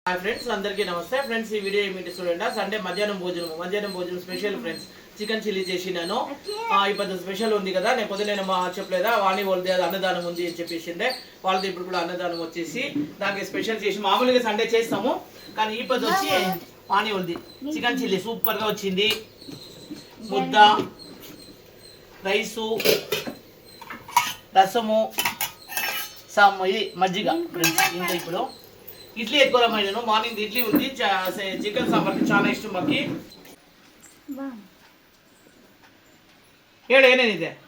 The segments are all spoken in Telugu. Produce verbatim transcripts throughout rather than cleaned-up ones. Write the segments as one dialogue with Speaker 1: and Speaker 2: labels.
Speaker 1: హాయ్ ఫ్రెండ్స్, అందరికీ నమస్తే ఫ్రెండ్స్. ఈ వీడియో ఏమిటి చూడండి. సండే మధ్యాహ్నం భోజనం మధ్యాహ్నం భోజనం స్పెషల్ ఫ్రెండ్స్. చికెన్ చిల్లీ చేసినాను. ఇప్పుడు స్పెషల్ ఉంది కదా, నేను పొద్దున నేను మా చెప్పలేదా వాణి వాళ్ళది అది అన్నదానం ఉంది అని చెప్పేసిండే. వాళ్ళది ఇప్పుడు కూడా అన్నదానం వచ్చేసి దానికి స్పెషల్ చేసి మామూలుగా సండే చేస్తాము, కానీ ఈ పొద్దు వచ్చి వాణి వాళ్ళది చికెన్ చిల్లీ సూపర్గా వచ్చింది. ముద్ద, రైసు, రసము, సమ్ ఇది మజ్జిగ ఫ్రెండ్స్. ఇంకా ఇప్పుడు ఇడ్లీ ఎక్కువ మార్నింగ్ ఇడ్లీ ఉంది. చికెన్ సాంబార్ చాలా ఇష్టం మాకి. ఏడు ఏనేది ఇదే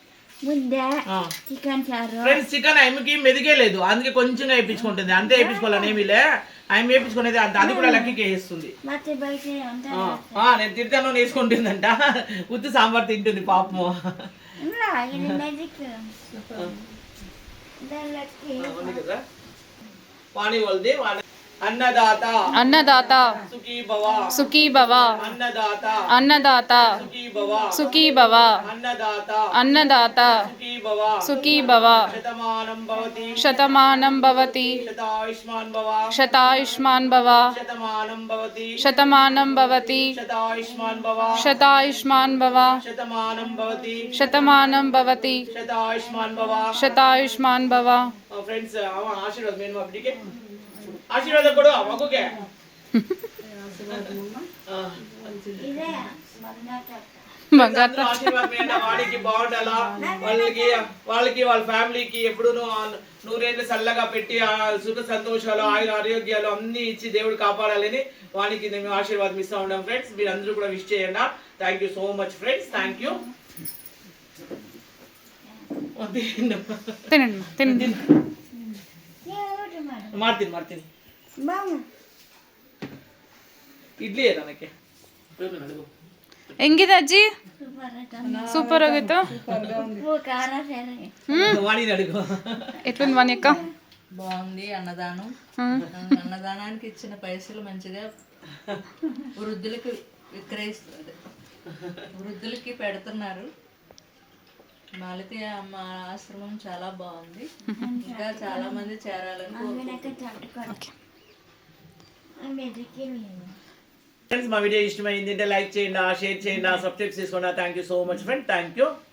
Speaker 1: ఫ్రెండ్స్. చికెన్ ఆమెకి మెదిగే లేదు, అందుకే కొంచెం వేయించుకుంటుంది. అంతే వేయించుకోవాలని ఏమీలే, ఆమె వేయించుకునేది అంత, అది కూడా లక్కీకి వేస్తుంది. నేను తిడతాను వేసుకుంటుందంట, ఉత్తి సాంబార్ తింటుంది పాపము. వాణి వాళ్ళది అన్నదాత
Speaker 2: అన్నదాత
Speaker 1: సుఖీ భవ
Speaker 2: సుఖీ భవ
Speaker 1: అన్నదాత
Speaker 2: అన్నదాత
Speaker 1: సుఖీ భవ
Speaker 2: సుఖీ భవ
Speaker 1: అన్నదాత
Speaker 2: అన్నదాత
Speaker 1: సుఖీ భవ
Speaker 2: సుఖీ భవ
Speaker 1: శతమానం భవతి
Speaker 2: శతమానం భవతి
Speaker 1: శతాయుష్మాన్ భవ
Speaker 2: శతాయుష్మాన్ భవ
Speaker 1: శతమానం భవతి
Speaker 2: శతమానం భవతి
Speaker 1: శతాయుష్మాన్ భవ
Speaker 2: శతాయుష్మాన్ భవ
Speaker 1: శతమానం భవతి
Speaker 2: శతమానం భవతి
Speaker 1: శతాయుష్మాన్ భవ
Speaker 2: శతాయుష్మాన్ భవ.
Speaker 1: ఫ్రెండ్స్ ఆశీర్వాదం నేను మా బిడ్డకి ఆశీర్వాదం కూడా మగుకే వాడికి బాగుండాలా, వాళ్ళకి వాళ్ళకి వాళ్ళ ఫ్యామిలీకి ఎప్పుడు నూరేళ్ళు చల్లగా పెట్టి సుఖ సంతోషాలు ఆయుర ఆరోగ్యాలు అన్ని ఇచ్చి దేవుడు కాపాడాలని వానికి మేము ఆశీర్వాదం ఇస్తూ ఉంటాం ఫ్రెండ్స్. మీరు అందరూ కూడా విష్ చేయండి. Thank you so much friends. Thank you. ಮಾಡ್ತೀನಿ ಮಾಡ್ತೀನಿ ಇಡ್ಲಿ ನನಗೆ
Speaker 2: ಹೆಂಗಿದೆ ಅಜ್ಜಿ? ಸೂಪರ್ ಆಗಿತ್ತು.
Speaker 1: వాణి అడుగు
Speaker 2: ఎట్లుంది వాణి అక్క?
Speaker 3: బాగుంది. అన్నదానం అన్నదానానికి ఇచ్చిన పైసలు మంచిగా వృద్ధులకి విక్రయిస్తుంది, వృద్ధులకి పెడుతున్నారు. మాలతి అమ్మ ఆశ్రమం చాలా బాగుంది, ఇంకా చాలా మంది చేరాలని
Speaker 1: ఫ్రెండ్స్. మా వీడియో ఇష్టమైంది అంటే లైక్ చేయండి, షేర్ చేయండి, సబ్స్క్రైబ్ చేసుకోండి. Thank you so much friend. Thank you.